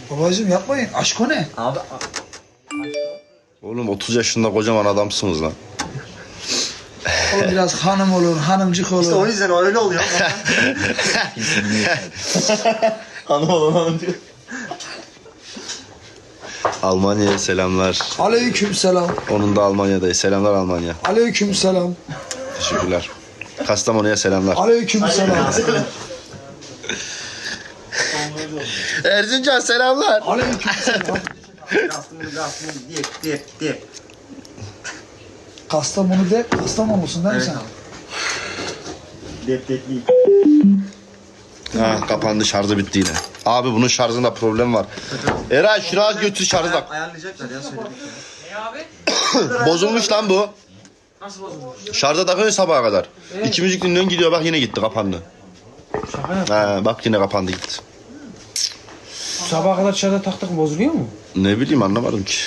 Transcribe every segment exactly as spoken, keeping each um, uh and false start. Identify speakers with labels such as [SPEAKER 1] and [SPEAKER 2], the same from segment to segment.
[SPEAKER 1] Babacığım yapmayın. Aşk o ne?
[SPEAKER 2] Abi
[SPEAKER 3] Oğlum otuz yaşında kocaman adamsınız lan.
[SPEAKER 1] O biraz hanım olur, hanımcık olur.
[SPEAKER 2] işte o yüzden öyle oluyor. Hanım olan hanım diyor.
[SPEAKER 3] Almanya'ya selamlar.
[SPEAKER 1] Aleyküm selam.
[SPEAKER 3] Onun da Almanya'dayız. Selamlar Almanya.
[SPEAKER 1] Aleyküm selam.
[SPEAKER 3] Teşekkürler. Kastamonu'ya selamlar.
[SPEAKER 1] Aleyküm selam.
[SPEAKER 3] Erzincan selamlar.
[SPEAKER 1] Aleyküm selam.
[SPEAKER 2] Kastamonu Kastamonu diye diye diye.
[SPEAKER 1] Kastamonu de, Kastamonu'sun değil mi sen?
[SPEAKER 2] Dep dep değil.
[SPEAKER 3] Ha, kapandı, şarjı bitti yine. Abi bunun şarjında problem var. Eray şunu az götür şarjı tak.
[SPEAKER 2] Ayarlayacaklar ya söyledik ya.
[SPEAKER 4] Ne abi?
[SPEAKER 3] Bozulmuş lan bu.
[SPEAKER 4] Nasıl bozulmuş?
[SPEAKER 3] Şarja takıyorsun sabaha kadar. İki müzik dinliyorsun gidiyor bak yine gitti kapandı.
[SPEAKER 4] Şaka yap.
[SPEAKER 3] Ha, bak yine kapandı gitti.
[SPEAKER 4] Sabaha kadar dışarıda taktık bozuluyor mu?
[SPEAKER 3] Ne bileyim anlamadım ki.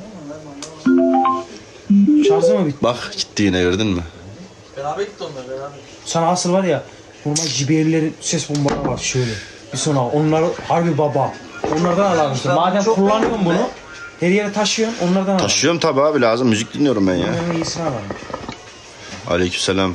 [SPEAKER 4] Şarjı mı bitti?
[SPEAKER 3] Bak gitti yine gördün mü?
[SPEAKER 2] Beraber gitti onlar beraber.
[SPEAKER 4] Sana asıl var ya normal J B L'lerin ses bombaları var şöyle. Bir sonra onlar harbi baba. Onlardan alalım işte. Madem
[SPEAKER 2] çok
[SPEAKER 4] kullanıyorsun
[SPEAKER 2] beğendim
[SPEAKER 4] bunu her yere taşıyorsun onlardan alalım.
[SPEAKER 3] Taşıyorum tabi abi lazım müzik dinliyorum ben ya.
[SPEAKER 4] En iyisini alalım.
[SPEAKER 3] Aleykümselam.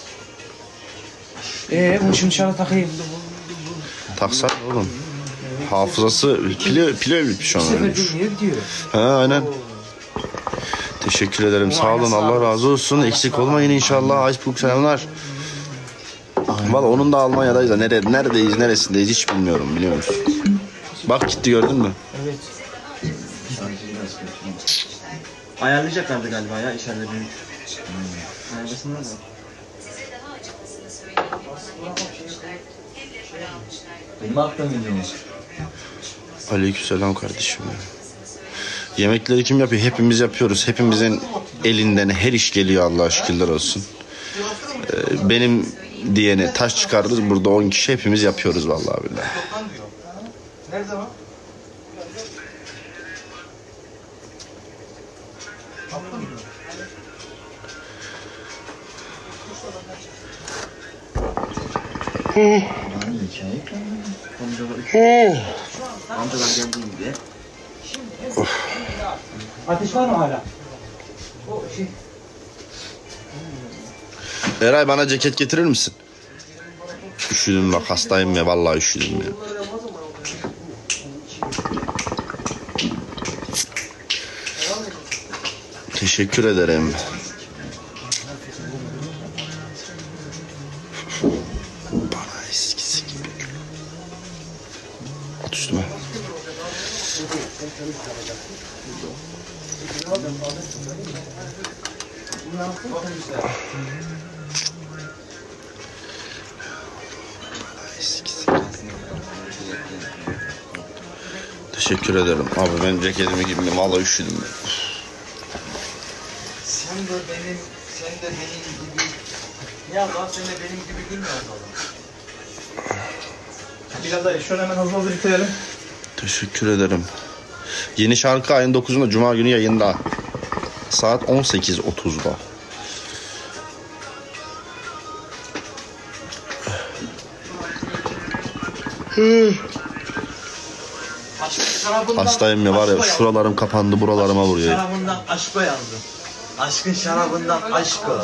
[SPEAKER 4] Eee bunu şimdi dışarıda takayım.
[SPEAKER 3] Taksan oğlum. Hafızası pile pile bitmiş
[SPEAKER 4] Bir
[SPEAKER 3] onun.
[SPEAKER 4] sefer
[SPEAKER 3] ölmüş.
[SPEAKER 4] dinliyor gidiyor.
[SPEAKER 3] Ha aynen. Teşekkür ederim. Sağ olun. Allah razı olsun. Eksik olmayın inşallah. Iceberg selamlar. Valla onun da Almanya'dayız da nere, neredeyiz, neresindeyiz hiç bilmiyorum biliyor musun? Bak gitti gördün mü?
[SPEAKER 4] Evet.
[SPEAKER 2] Ayarlayacaklardı galiba ya içeride büyük. Ayarlasınlar da. Benim attığım video mu?
[SPEAKER 3] Aleykümselam kardeşim. Yemekleri kim yapıyor? Hepimiz yapıyoruz. Hepimizin elinden her iş geliyor Allah'a şükürler olsun. Ee, benim diyene taş çıkarırız. Burada on kişi hepimiz yapıyoruz vallahi billahi.
[SPEAKER 1] Nerede o?
[SPEAKER 2] Amcalar geldiğinde.
[SPEAKER 4] Ateş var mı hala? O şey.
[SPEAKER 3] Eray bana ceket getirir misin? Üşüdüm bak hastayım ya vallahi üşüdüm ya. Teşekkür ederim. Bana eskisi gibi. At üstüme. Teşekkür ederim. Abi ben ceketimi giydim. Vallahi üşüdüm.
[SPEAKER 2] Sen de benim, sen de benim gibi. Ya lan sen de benim gibi gülmüyor adam.
[SPEAKER 4] Biraz da şöyle hemen hızlı hızlı bitirelim.
[SPEAKER 3] Teşekkür ederim. Yeni şarkı ayın dokuzunda Cuma günü yayında. Saat on sekiz otuzda. Hastayım ya var ya şuralarım kapandı buralarıma vuruyor.
[SPEAKER 2] Şarabından aşko yazdım. Aşkın şarabından aşko.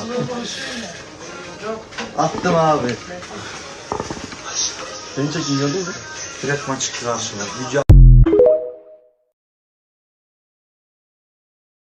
[SPEAKER 2] Attım abi. Seni çekin gördün mü? Direktman çıktı karşıma. Yüce